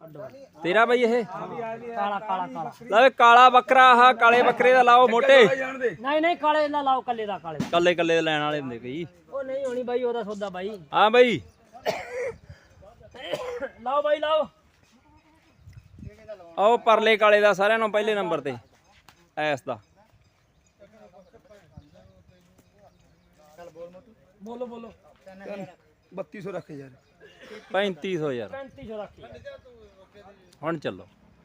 ਤੇਰਾ ਬਈ ਇਹ ਕਾਲਾ ਕਾਲਾ ਕਾਲਾ ਲੈ ਕਾਲਾ ਬੱਕਰਾ ਆਹ ਕਾਲੇ ਬੱਕਰੇ ਦਾ ਲਾਓ ਮੋਟੇ ਨਹੀਂ ਨਹੀਂ ਕਾਲੇ ਦਾ ਲਾਓ ਕੱਲੇ ਦਾ ਕਾਲੇ ਕੱਲੇ ਕੱਲੇ ਲੈਣ ਵਾਲੇ ਹੁੰਦੇ ਕਈ ਉਹ ਨਹੀਂ ਹੋਣੀ ਬਾਈ ਉਹਦਾ ਸੌਦਾ ਬਾਈ ਹਾਂ ਬਈ ਲਾਓ ਬਾਈ ਲਾਓ ਆਓ ਪਰਲੇ ਕਾਲੇ ਦਾ ਸਾਰਿਆਂ ਨੂੰ ਪਹਿਲੇ ਨੰਬਰ ਤੇ ਐਸ ਦਾ ਬੋਲੋ ਬੋਲੋ 3200 ਰੱਖ ਯਾਰ 3500 ਯਾਰ 3500 ਰੱਖੀ ਹੁਣ ਚੱਲੋ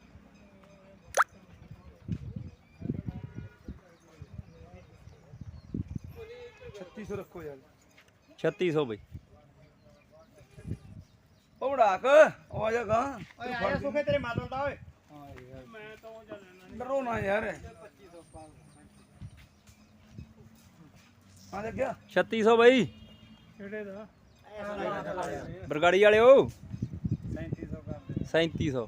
ਰੱਖੋ ਯਾਰ 3600 ਬਈ ਉਹ ਬੜਾਕ ਆ ਜਾ ਗਾ ਆਇਆ ਸੁਖੇ ਤੇਰੇ ਮਾਦਲ ਦਾ ਓਏ ਡਰੋ ਨਾ ਯਾਰ ਆ ਲੱਗਿਆ 3600 ਬਈ ਕਿਹੜੇ ਦਾ ਬਰਗਾੜੀ ਵਾਲਿਓ 3700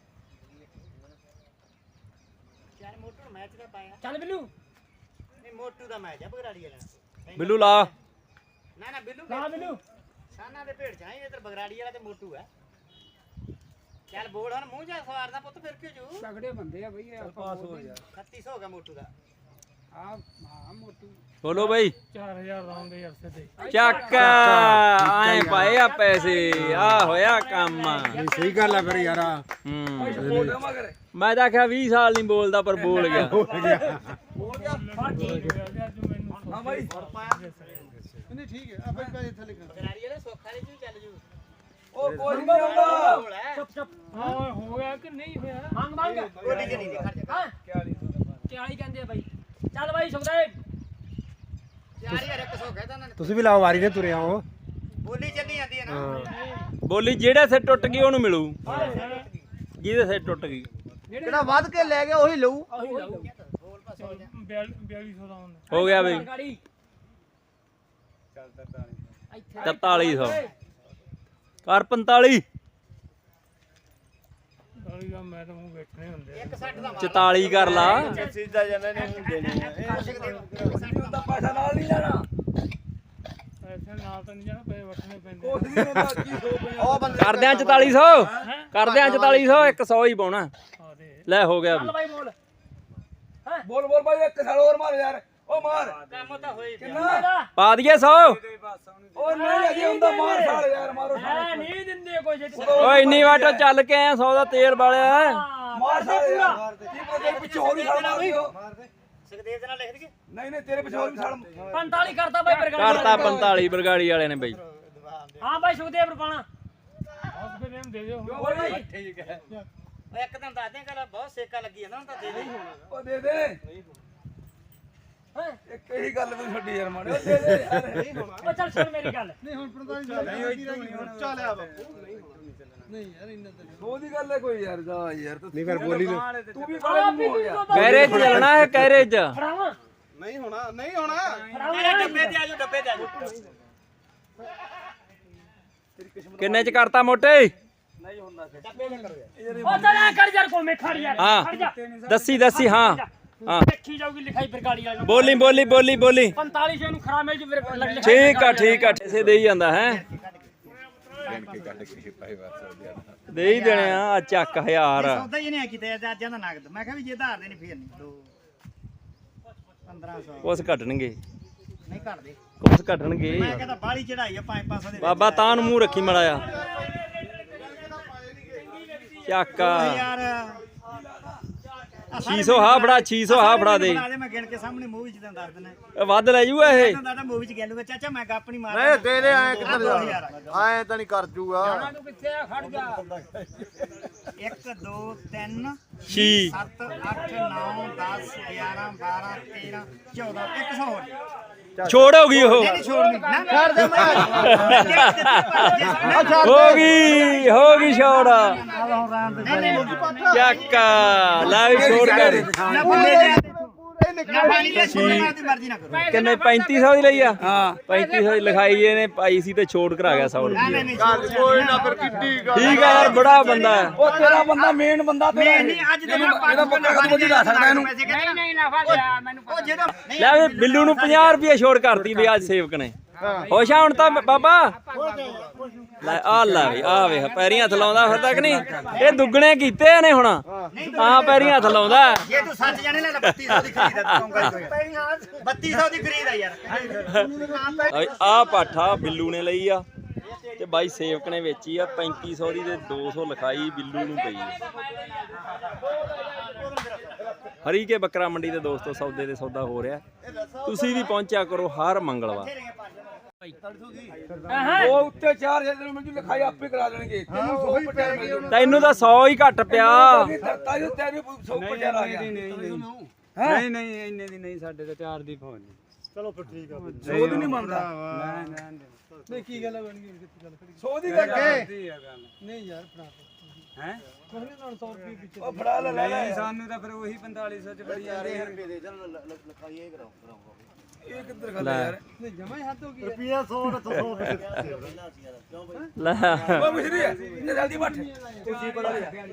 ਯਾਰ ਮੋਟੂ ਮੈਚ ਦਾ ਪਾਇਆ ਚੱਲ ਬਿੱਲੂ ਨਹੀਂ ਮੋਟੂ ਦਾ ਮੈਚ ਆ ਬਗਰਾੜੀ ਵਾਲਾ ਬਿੱਲੂ ਲਾ ਨਾ ਨਾ ਬਿੱਲੂ ਲਾ ਬਿੱਲੂ ਸਾਨਾ ਦੇ ਭੇਡ ਚਾਹੀ ਇਧਰ ਬਗਰਾੜੀ ਵਾਲਾ ਤੇ ਮੋਟੂ ਆ ਚੱਲ ਬੋਲ ਹੁਣ ਮੂੰਹ ਜਾ ਸਵਾਰਦਾ ਪੁੱਤ ਫਿਰ ਕਿਉਂ ਜੂ ਤਗੜੇ ਬੰਦੇ ਆ ਬਈ ਪਾਸ ਹੋ ਯਾਰ 3600 ਹੋ ਗਿਆ ਮੋਟੂ ਦਾ ਹਾਂ ਮੋਟੂ ਬੋਲੋ ਬਈ 4000 ਲਾਉਂਦੇ ਯਾਰ ਸਿੱਧੇ ਚੱਕ ਆਏ ਪਾਏ ਆ ਪੈਸੇ ਆ ਹੋਇਆ ਕੰਮ ਸਹੀ ਗੱਲ ਆ ਫਿਰ ਯਾਰ ਮੈਂ ਤਾਂ ਆਖਿਆ 20 ਸਾਲ ਨਹੀਂ ਬੋਲਦਾ ਪਰ ਬੋਲ ਗਿਆ ਹਾਂ ਬਾਈ ਨਹੀਂ ਠੀਕ ਹੈ ਆਪੇ ਪੈਸੇ ਥੱਲੇ ਕਰ ਬਗਰਾੜੀ ਵਾਲਾ ਸੌਖਾ ਨਹੀਂ ਜੂ ਚੱਲ ਜੂ ਉਹ ਕੋਈ ਨਹੀਂ ਹੁੰਦਾ ਬੋਲ ਹੈ ਚੁੱਪ ਚੁੱਪ ਹਾਂ ਹੋ ਗਿਆ ਕਿ ਨਹੀਂ ਹੋਇਆ ਮੰਗ ਮੰਗ ਬੋਲੀ ਕਿ ਨਹੀਂ ਖੜ ਜਾ ਹਾਂ 40 ਕਹਿੰਦੇ ਆ ਬਾਈ ਚੱਲ ਬਾਈ ਸੁਖਦੇਵ 4100 ਕਹਿਦਾ ਉਹਨਾਂ ਨੇ ਤੁਸੀਂ ਵੀ ਲਾਓ ਵਾਰੀ ਦੇ ਤੁਰੇ ਆਓ ਬੋਲੀ ਚੱਲੀ ਜਾਂਦੀ ਹੈ ਨਾ ਬੋਲੀ ਜਿਹੜੇ ਸੇ ਟੁੱਟ ਗਈ ਉਹਨੂੰ ਮਿਲੂ ਜਿਹਦੇ ਸੇ ਟੁੱਟ ਗਈ ਜਿਹੜਾ ਵੱਧ ਕੇ ਲੈ ਗਿਆ ਉਹੀ ਲਊ ਬੋਲ ਪਾ 4200 ਦਾ ਹੁੰਦਾ ਹੋ ਗਿਆ ਬਈ ਗਾੜੀ 4300 ਕਰ 45 ਗਾੜੀ ਦਾ ਮੈਂ ਤਾਂ ਮੂੰਹ ਵੇਚਣੇ ਹੁੰਦੇ 160 ਦਾ 44 ਕਰ ਲਾ ਸਿੱਧਾ ਜਾਂਦਾ ਨਹੀਂ ਦੇਣੀ ਦਾ ਪੈਸਾ ਨਾਲ ਨਹੀਂ ਲੈਣਾ ਪੈਸੇ ਨਾਲ ਤਾਂ ਨਹੀਂ ਜਾਣਾ ਪੈਸੇ ਵਟਣੇ ਪੈਂਦੇ ਕੁਛ ਨਹੀਂ ਹੁੰਦਾ ਕੀ ਹੋ ਪਿਆ ਉਹ ਬੰਦੇ ਕਰਦਿਆਂ 4400 ਕਰਦਿਆਂ 4400 100 ਹੀ ਪਾਉਣਾ ਆ ਦੇ ਲੈ ਹੋ ਗਿਆ ਚੱਲ ਬਾਈ ਬੋਲ ਬੋਲ ਬੋਲ ਬਾਈ ਇੱਕ ਸਾਲ ਹੋਰ ਮਾਰ ਯਾਰ ਉਹ ਮਾਰ ਕੰਮ ਤਾਂ ਹੋਈ ਪਿਆ ਕਿੰਨਾ ਪਾ ਦਈਏ 100 ਉਹ ਨਹੀਂ ਅਜੇ ਹੁੰਦਾ ਮਾਰ ਸਾਲ ਯਾਰ ਮਾਰੋ ਐ ਨਹੀਂ ਦਿੰਦੇ ਕੋਈ ਜੇ ਓਏ ਇੰਨੀ ਵਾਟੋ ਚੱਲ ਕੇ ਆਇਆ 100 ਦਾ ਤੇਲ ਵਾਲਿਆ ਮਾਰ ਸਾਲ ਯਾਰ ਕੀ ਪਤਾ ਤੇਰੇ ਪਿੱਛੇ ਹੋਰ ਵੀ ਸਾਲ ਮਾਰ ਦਿਓ ਸੁਖਦੇਵ ਦੇ ਨਾਲ ਲਿਖ ਦਈਏ ਨਹੀਂ ਨਹੀਂ ਤੇਰੇ ਪਿੱਛੇ ਹੋਰ ਵੀ ਸਾਲ 45 ਕਰਤਾ ਬਾਈ ਬਰਗਾੜੀ ਕਰਤਾ 45 ਬਰਗਾੜੀ ਵਾਲੇ ਨੇ ਬਈ ਹਾਂ ਬਾਈ ਸੁਖਦੇਵ ਰੁਪਾਣਾ ਹਸਪੀਟਲ ਨੂੰ ਦੇ ਦਿਓ ਠੀਕ ਹੈ ਉਹ ਇੱਕ ਦਿਨ ਦੱਸ ਦੇ ਗੱਲ ਬਹੁਤ ਸੇਕਾ ਲੱਗੀ ਜਾਂਦਾ ਹੁਣ ਤਾਂ ਦੇ ਦੇ ਉਹ ਦੇ ਦੇ ਇੱਕ ਹੀ ਗੱਲ ਵੀ ਛੱਡੀ ਯਾਰ ਮਾੜੇ ਦੇ ਦੇ ਯਾਰ ਉਹ ਚੱਲ ਸੁਣ ਮੇਰੀ ਗੱਲ ਚੱਲਿਆ ਬਾਪੂ ਨਹੀਂ ਯਾਰ ਇੰਨਾ ਤਾਂ ਉਹਦੀ ਗੱਲ ਹੈ ਕੋਈ ਯਾਰ ਜਾ ਯਾਰ ਨਹੀਂ ਫਿਰ ਬੋਲੀ ਤੂੰ ਵੀ ਕਾਲੇ ਮੂੰਹ ਹੋ ਗਿਆ ਕੈਰੇ ਚ ਚੱਲਣਾ ਹੈ ਕੈਰੇ ਚ ਫੜਾਵਾਂ ਨਹੀਂ ਹੋਣਾ ਨਹੀਂ ਹੋਣਾ ਫੜਾਵਾਂ ਡੱਬੇ ਤੇ ਆਜੋ ਡੱਬੇ ਤੇ ਆਜੋ ਕਿੰਨੇ ਚ ਕਰਤਾ ਮੋਟੇ ਨਹੀਂ ਹੁੰਦਾ ਫਿਰ ਡੱਬੇ ਤੇ ਕਰੋ ਉਹ ਚੱਲ ਐ ਕਰ ਯਾਰ ਕੋਲ ਮੈਂ ਖੜ ਯਾਰ ਖੜ ਜਾ ਹਾਂ ਦੱਸੀ ਹਾਂ ਹਾਂ ਦੇਖੀ ਜਾਊਗੀ ਲਿਖਾਈ ਬਰਗਾੜੀ ਵਾਲੀ ਬੋਲੀ 4500 ਨੂੰ ਖਰਾ ਮਿਲ ਜੂ ਫਿਰ ਠੀਕ ਆ ਐਸੇ ਦੇ ਹੀ ਜਾਂਦਾ ਹੈ ਦੇ ਹੀ ਦੇਣੇ ਆ ਚੱਕ 1000 ਸੌਦਾ ਹੀ ਨਹੀਂ ਕਿਤੇ ਅੱਜ ਦਾ ਨਗਦ ਮੈਂ ਕਿਹਾ ਵੀ ਜੇ ਧਾਰ ਦੇ ਨਹੀਂ ਫੇਰ ਨਹੀਂ 1500 ਕੁਛ ਘਟਣਗੇ ਨਹੀਂ ਘਟਦੇ ਕੁਛ ਘਟਣਗੇ ਮੈਂ ਕਹਿੰਦਾ ਬਾਲੀ ਚੜਾਈ ਆ 500 ਦੇ ਬਾਬਾ ਤਾਂ ਨੂੰ ਮੂੰਹ ਰੱਖੀ ਮੜਾਇਆ ਚੱਕ ਯਾਰ 600 ਹਾ ਫੜਾ 600 ਹਾ ਫੜਾ ਦੇ ਮੈਂ ਗਿਣ ਕੇ ਸਾਹਮਣੇ ਮੂਵੀ ਚ ਤੈਨੂੰ ਦੱਸ ਦਿੰਦਾ ਇਹ ਵੱਧ ਲੈ ਜੂਗਾ ਇਹ ਤੈਨੂੰ ਦੱਸਦਾ ਮੂਵੀ ਚ ਗੈਲੂਗਾ ਚਾਚਾ ਮੈਂ ਗੱਪ ਨਹੀਂ ਮਾਰਦਾ ਨਹੀਂ ਦੇ ਦੇ ਐ ਕਿੱਧਰ ਜਾ ਐ ਤਾਂ ਨਹੀਂ ਕਰ ਜੂਗਾ ਤੂੰ ਕਿੱਥੇ ਆ ਖੜ ਜਾ 1 2 3 ਛੀ 7 8 9 10 11 12 13 14 100 ਹੋਰ ਛੋੜ ਹੋ ਗਈ ਉਹ ਨਹੀਂ ਛੋੜਨੀ ਨਾ ਛੱਡ ਦੇ ਹੋ ਗਈ ਛੋੜ ਨਹੀਂ ਚੱਕ ਲੈ ਵੀ ਛੋੜ ਕਰ ਨਾ ਬੰਦੇ ਦੇ ਨਾ ਪਾਣੀ ਲੈ ਛੋੜਨਾ ਦੀ ਮਰਜ਼ੀ ਨਾ ਕਰੋ ਕਿੰਨੇ 3500 ਦੀ ਲਈ ਆ ਹਾਂ 3500 ਦੀ ਲਿਖਾਈ ਇਹਨੇ ਪਾਈ ਸੀ ਤੇ ਛੋੜ ਕਰਾ ਗਿਆ 100 ਰੁਪਏ ਨਹੀਂ ਕੋਈ ਨਾ ਫਿਰ ਕਿੱਡੀ ਗੱਲ ਠੀਕ ਆ ਯਾਰ ਬੜਾ ਬੰਦਾ ਹੈ ਉਹ ਤੇਰਾ ਬੰਦਾ ਮੇਨ ਬੰਦਾ ਤੇਰਾ ਨਹੀਂ ਅੱਜ ਦੇ ਇਹਦਾ ਪੱਕਾ ਕਦ ਬੋਲੀ ਲਾ ਸਕਦਾ ਇਹਨੂੰ ਨਹੀਂ ਨਫਾ ਲਿਆ ਮੈਨੂੰ ਉਹ ਜਿਹੜਾ ਲੈ ਵੀ ਬਿੱਲੂ ਨੂੰ 50 ਰੁਪਏ ਛੋੜ ਕਰਤੀ ਵੀ ਅੱਜ ਸੇਵਕ ਨੇ ਖੁਸ਼ ਆ ਹੁਣ ਤਾਂ ਬਾਬਾ ਲੈ ਆ ਲੈ ਬਈ ਆ ਵੇਖ ਪੈਰੀਂ ਹੱਥ ਲਾਉਂਦਾ ਫਿਰ ਤੱਕ ਨਹੀਂ ਇਹ ਦੁੱਗਣੇ ਕੀਤੇ ਨੇ ਹੁਣ ਆ ਪੈਰੀਂ ਹੱਥ ਲਾਉਂਦਾ ਜੇ ਤੂੰ ਸੱਚ ਜਾਣੇ ਲੈ 3200 ਦੀ ਖਰੀਦ ਆ ਤੂੰ ਕਹੀ 3200 ਦੀ ਖਰੀਦ ਆ ਯਾਰ ਆ ਪਾਠਾ ਬਿੱਲੂ ਨੇ ਲਈ ਆ ਤੇ ਬਾਈ ਸੇਵਕ ਨੇ ਵੇਚੀ ਆ 3500 ਦੀ ਤੇ 200 ਲਿਖਾਈ ਬਿੱਲੂ ਨੂੰ ਪਈ ਹਰੀ ਕੇ ਬੱਕਰਾ ਮੰਡੀ ਦੇ ਦੋਸਤੋ ਸੌਦੇ ਦੇ ਸੌਦਾ ਹੋ ਰਿਹਾ ਤੁਸੀਂ ਵੀ ਪਹੁੰਚਿਆ ਕਰੋ ਹਰ ਮੰਗਲਵਾਰ ਉਹ ਉੱਤੇ 4000 ਦੇ ਮੈਨੂੰ ਲਿਖਾਈ ਆਪੇ ਕਰਾ ਦੇਣਗੇ ਤੈਨੂੰ 100 ਪਟਿਆ ਮਿਲ ਜੂ ਤੈਨੂੰ ਤਾਂ 100 ਹੀ ਘੱਟ ਪਿਆ ਤਾਇਓ ਤੈਨੂੰ 100 ਪਟਿਆ ਆ ਗਿਆ ਨਹੀਂ ਨਹੀਂ ਇੰਨੇ ਦੀ ਨਹੀਂ ਸਾਡੇ ਤਾਂ 4 ਦੀ ਫੋਨ ਚਲੋ ਫਿਰ ਠੀਕ ਆ 100 ਦੀ ਨਹੀਂ ਮੰਨਦਾ ਨਹੀਂ ਕੀ ਗੱਲ ਬਣ ਗਈ 100 ਦੀ ਗੱਲ ਨਹੀਂ ਯਾਰ ਫੜਾ ਹੈ ਕੋਈ ਨਾਲ 100 ਰੁਪਏ ਪਿੱਛੇ ਉਹ ਫੜਾ ਲੈ ਲੈ ਨਹੀਂ ਸਾਨੂੰ ਤਾਂ ਫਿਰ ਉਹੀ 4500 ਚ ਬੜੀ ਜਾਂਦੇ ਯਾਰ ਇਹ ਕਿੱਧਰ ਗੱਲ ਯਾਰ ਨਹੀਂ ਜਮਾ ਹੀ ਹੱਦ ਹੋ ਗਈ ਰੁਪਿਆ 100 ਤੇ 100 ਲੈ ਉਹ ਮਿਸਰੀ ਹੈ ਇਹ ਜਲਦੀ ਬੱਠ ਤੁਸੀਂ ਬੜਾ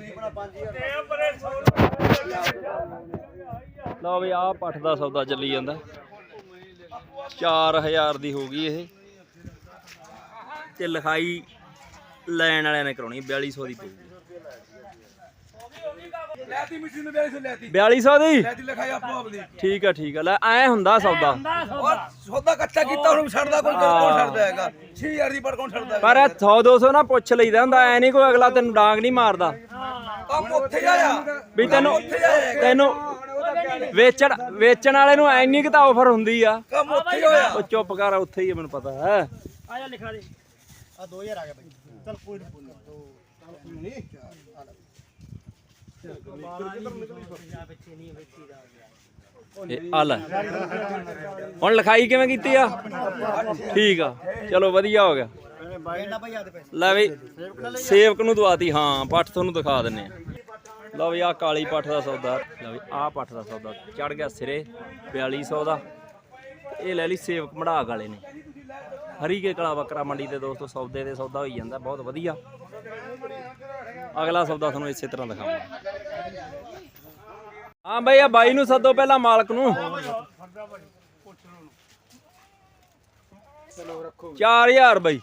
ਲਓ ਵੀ ਆਹ ਪੱਠ ਦਾ ਸੌਦਾ ਚੱਲੀ ਜਾਂਦਾ 4000 ਦੀ ਹੋ ਗਈ ਇਹ ਤੇ ਲਿਖਾਈ ਲੈਣ ਵਾਲਿਆਂ ਨੇ ਕਰਾਉਣੀ 4200 ਦੀ ਪਊਗੀ ਲੈਤੀ ਮਿੱਟੀ ਨੂੰ 4200 ਲੈਤੀ 4200 ਦੀ ਲੈਤੀ ਲਿਖਾਈ ਆਪੋ ਆਪ ਦੀ ਠੀਕ ਆ ਲੈ ਐ ਹੁੰਦਾ ਸੌਦਾ ਔਰ ਸੌਦਾ ਕੱਚਾ ਕੀਤਾ ਉਹਨੂੰ ਛੱਡਦਾ ਕੋਈ ਕੌਣ ਛੱਡਦਾ ਹੈਗਾ 6000 ਦੀ ਪਰ ਕੌਣ ਛੱਡਦਾ ਪਰ 100 200 ਨਾ ਪੁੱਛ ਲਈਦਾ ਹੁੰਦਾ ਐ ਨਹੀਂ ਕੋਈ ਅਗਲਾ ਤੈਨੂੰ ਡਾਂਗ ਨਹੀਂ ਮਾਰਦਾ ਕੰਮ ਉੱਥੇ ਆਇਆ ਵੀ ਤੈਨੂੰ ਵੇਚਣ ਵਾਲੇ ਨੂੰ ਐਨੀ ਕਿ ਤਾਂ ਆਫਰ ਹੁੰਦੀ ਆ ਕੰਮ ਉੱਥੇ ਹੋਇਆ ਉਹ ਚੁੱਪ ਕਰ ਉੱਥੇ ਹੀ ਆ, ਮੈਨੂੰ ਪਤਾ ਹੈ ਆ ਜਾ ਲਿਖਾ ਦੇ ਆ 2000 ਆ ਗਿਆ ਬਾਈ ਚਲ ਕੋਈ ਨਹੀਂ ਆ ਲੈ ਹੁਣ ਲਿਖਾਈ ਕਿਵੇਂ ਕੀਤੀ ਆ ਠੀਕ ਆ ਚਲੋ ਵਧੀਆ ਹੋ ਗਿਆ ਲੈ ਵੀ ਸੇਵਕ ਨੂੰ ਦਵਾਤੀ ਹਾਂ ਪੱਠ ਤੁਹਾਨੂੰ ਦਿਖਾ ਦਿੰਨੇ ਆ ਲਓ ਵੀ ਆ ਕਾਲੀ ਪੱਠ ਦਾ ਸੌਦਾ ਲਓ ਵੀ ਆ ਪੱਠ ਦਾ ਸੌਦਾ ਚੜ ਗਿਆ ਸਿਰੇ 4200 ਦਾ ਇਹ ਲੈ ਲਈ ਸੇਵਕ ਮੜਾਕ ਵਾਲੇ ਨੇ ਹਰੀ ਕੇ ਕਲਾ ਬੱਕਰਾ ਮੰਡੀ ਦੇ ਦੋਸਤੋ ਸੌਦੇ ਦੇ ਸੌਦਾ ਹੋਈ ਜਾਂਦਾ ਬਹੁਤ ਵਧੀਆ ਅਗਲਾ ਸੌਦਾ ਤੁਹਾਨੂੰ ਇਸੇ ਤਰ੍ਹਾਂ ਦਿਖਾਵਾਂਗਾ ਹਾਂ ਬਈ ਆ ਬਾਈ ਨੂੰ ਸੱਦੋ ਪਹਿਲਾਂ ਮਾਲਕ ਨੂੰ 4000 ਬਈ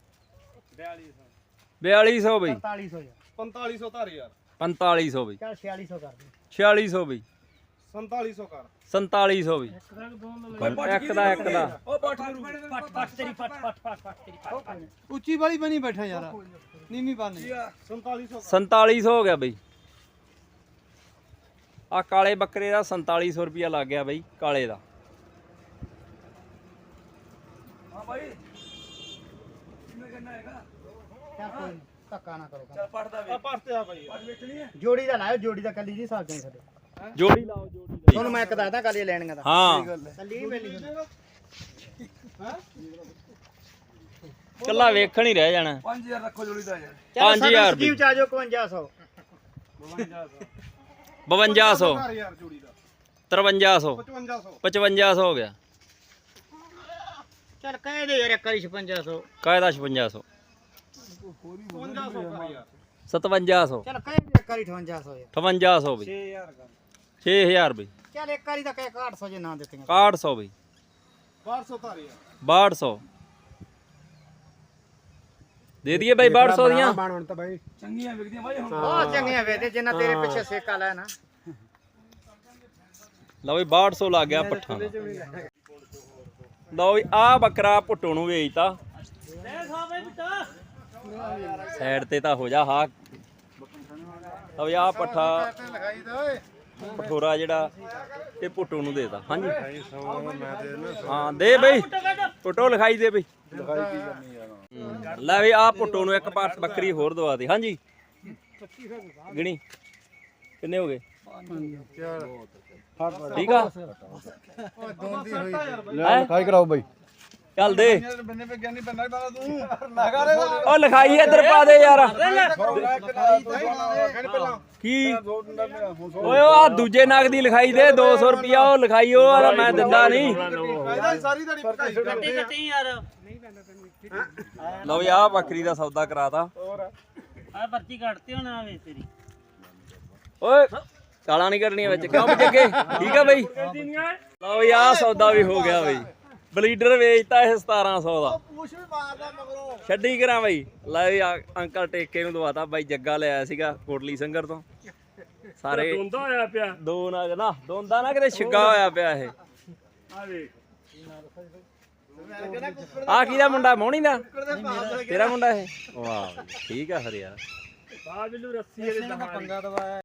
4200 ਬਈ 4500 4500 ਧਾਰ ਯਾਰ 4500 ਬਈ ਚਲ 4600 ਕਰ ਦੇ 4600 ਬਈ 4700 ਕਰ 4700 ਬਈ ਇੱਕ ਦਾ ਉਹ ਪੱਠ ਪੱਟ ਤੇਰੀ ਪੱਟ ਤੇਰੀ ਉੱਚੀ ਵਾਲੀ ਬਣੀ ਬੈਠਾ ਯਾਰ ਨੀਵੀਂ ਬਾਨੀ 4700 ਹੋ ਗਿਆ ਬਈ ਆ ਕਾਲੇ ਬੱਕਰੇ ਦਾ 4700 ਰੁਪਿਆ ਲੱਗ ਗਿਆ ਬਈ ਕਾਲੇ ਦਾ ਹਾਂ ਭਾਈ ਕਿੰਨੇ ਕਰਨਾ ਹੈਗਾ ਚੱਲ ਕੋਈ ਨੀ, ਧੱਕਾ ਨਾ ਕਰੋ ਚੱਲ ਪੱਠ ਦਾ ਵੇਚ ਪੱਠ ਤੇ ਆ ਭਾਈ ਪੱਠ ਵੇਚਣੀ ਹੈ ਜੋੜੀ ਦਾ ਲਾਇਓ ਜੋੜੀ ਦਾ ਕੱਲੀ ਜੀ ਸਾਗ ਨਹੀਂ ਸਾਡੇ ਜੋੜੀ ਲਾਓ ਜੋੜੀ ਤੁਹਾਨੂੰ ਮੈਂ ਇੱਕ ਦੱਸਦਾ ਕੱਲੀ ਲੈਣੀਆਂ ਦਾ ਹਾਂ ਕੱਲੀ ਮਿਲਣੀ ਕੱਲਾ ਵੇਖਣ ਹੀ ਰਹਿ ਜਾਣਾ 5000 ਰੱਖੋ ਜੋੜੀ ਦਾ ਯਾਰ 5000 ਸਕੀਮ ਚ ਆ ਜਾਓ 5500 5200 ਯਾਰ ਜੋੜੀ ਦਾ 5300 5500 ਹੋ ਗਿਆ ਚੱਲ ਕਹਿ ਦੇ ਯਾਰ ਇੱਕ ਵਾਰੀ 5600 ਕਾਇਦਾ 5600 5700 ਚੱਲ ਕਹਿ ਦੇ ਇੱਕ ਵਾਰੀ 5800 ਯਾਰ 5800 ਬਈ 6000 ਬਈ ਚੱਲ ਇੱਕ ਵਾਰੀ ਤਾਂ ਕਹਿ 800 ਜੇ ਨਾ ਦਿੱਤੀਆਂ 6100 ਬਈ 1200 ਧਾਰ ਯਾਰ 6200 ਦੇ ਦਈਏ ਬਈ 6200 ਦੀਆਂ ਚੰਗੀਆਂ ਵਿਕਦੀਆਂ ਭਾਈ ਹੁਣ ਬਹੁਤ ਚੰਗੀਆਂ ਵੇਦੇ ਜਿੰਨਾ ਤੇਰੇ ਪਿੱਛੇ ਸੇਕਾ ਲੈ ਨਾ ਲਓ ਵੀ 6200 ਲੱਗ ਗਿਆ ਪੱਠਾਂ ਦਾ ਲਓ ਵੀ ਆ ਬੱਕਰਾ ਪੁੱਟੋ ਨੂੰ ਵੇਚਤਾ ਸਾਈਡ ਤੇ ਤਾਂ ਹੋ ਜਾ ਹਾ ਲਓ ਵੀ ਆ ਪੱਠਾ ਪਠੋਰਾ ਜਿਹੜਾ ਇਹ ਪੁੱਟੋ ਨੂੰ ਦੇਤਾ ਹਾਂਜੀ ਹਾਂ ਦੇ ਬਈ ਪੁੱਟੋ ਲਿਖਾਈ ਦੇ ਬਈ ਲੈ ਵੀ ਆ ਪੁੱਟੋ ਨੂੰ ਇੱਕ ਪਾਸ ਬੱਕਰੀ ਹੋਰ ਦਵਾ ਦੇ ਹਾਂਜੀ ਗਿਣੀ ਕਿੰਨੇ ਹੋ ਗਏ ਠੀਕ ਆ ਲਿਖਾਈ ਕਰਾਓ ਬਾਈ ਚੱਲ ਦੇ ਬੰਨੇ ਪੇ ਗਿਆਨੀ ਬੰਨਾ ਬਾਲਾ ਤੂੰ ਲਗਾ ਰੇ ਉਹ ਲਿਖਾਈ ਇੱਧਰ ਪਾ ਦੇ ਯਾਰ ਕੀ ਓਏ ਆ ਦੂਜੇ ਨਗ ਦੀ ਲਿਖਾਈ ਦੇ 200 ਰੁਪਿਆ ਉਹ ਲਿਖਾਈ ਉਹ ਵਾਲਾ ਮੈਂ ਦਿੰਦਾ ਨਹੀਂ ਸਾਰੀ ਦਿਹਾੜੀ ਪਕਾਈ ਕੱਟੀ ਯਾਰ ਲਓ ਆ ਬੱਕਰੀ ਦਾ ਸੌਦਾ ਕਰਾਤਾ ਆ ਪਰਚੀ ਕੱਟਤੀ ਹੁਣ ਆਵੇ ਤੇਰੀ ਓਏ ਕਾਲਾ ਨਹੀਂ ਕਰਨੀ ਵਿੱਚ ਕਿਉਂ ਬਜੱਗੇ ਠੀਕ ਆ ਬਈ ਲਓ ਆ ਸੌਦਾ ਵੀ ਹੋ ਗਿਆ ਬਈ ਬਲੀਡਰ ਵੇਚਤਾ ਇਹ 1700 ਦਾ ਪੁੱਛ ਵੀ ਮਾਰਦਾ ਮਗਰੋਂ। ਛੱਡੀ ਕਰਾਂ ਬਾਈ ਲੈ ਵੀ ਅੰਕਲ ਟੇਕੇ ਨੂੰ ਦਵਾਤਾ ਬਾਈ ਜੱਗਾ ਲਿਆਇਆ ਸੀਗਾ ਕੋਟਲੀ ਸੰਗਰ ਤੋਂ ਸਾਰੇ ਦੋਂਦਾ ਹੋਇਆ ਪਿਆ ਦੋ ਨਾ ਦੋਂਦਾ ਨਾ ਕਿਤੇ ਛਿੱਗਾ ਹੋਇਆ ਪਿਆ ਇਹ ਆ ਵੇਖ ਆ ਕਿਹਦਾ ਮੁੰਡਾ ਮੋਹਣੀ ਦਾ ਤੇਰਾ ਮੁੰਡਾ ਇਹ ਵਾਹ ਠੀਕ ਆ ਫਿਰ ਯਾਰ ਬਾਬਲੂ ਰੱਸੀ ਇਹਦੇ ਦਹਾਂ ਪੰਗਾ ਦਵਾਇਆ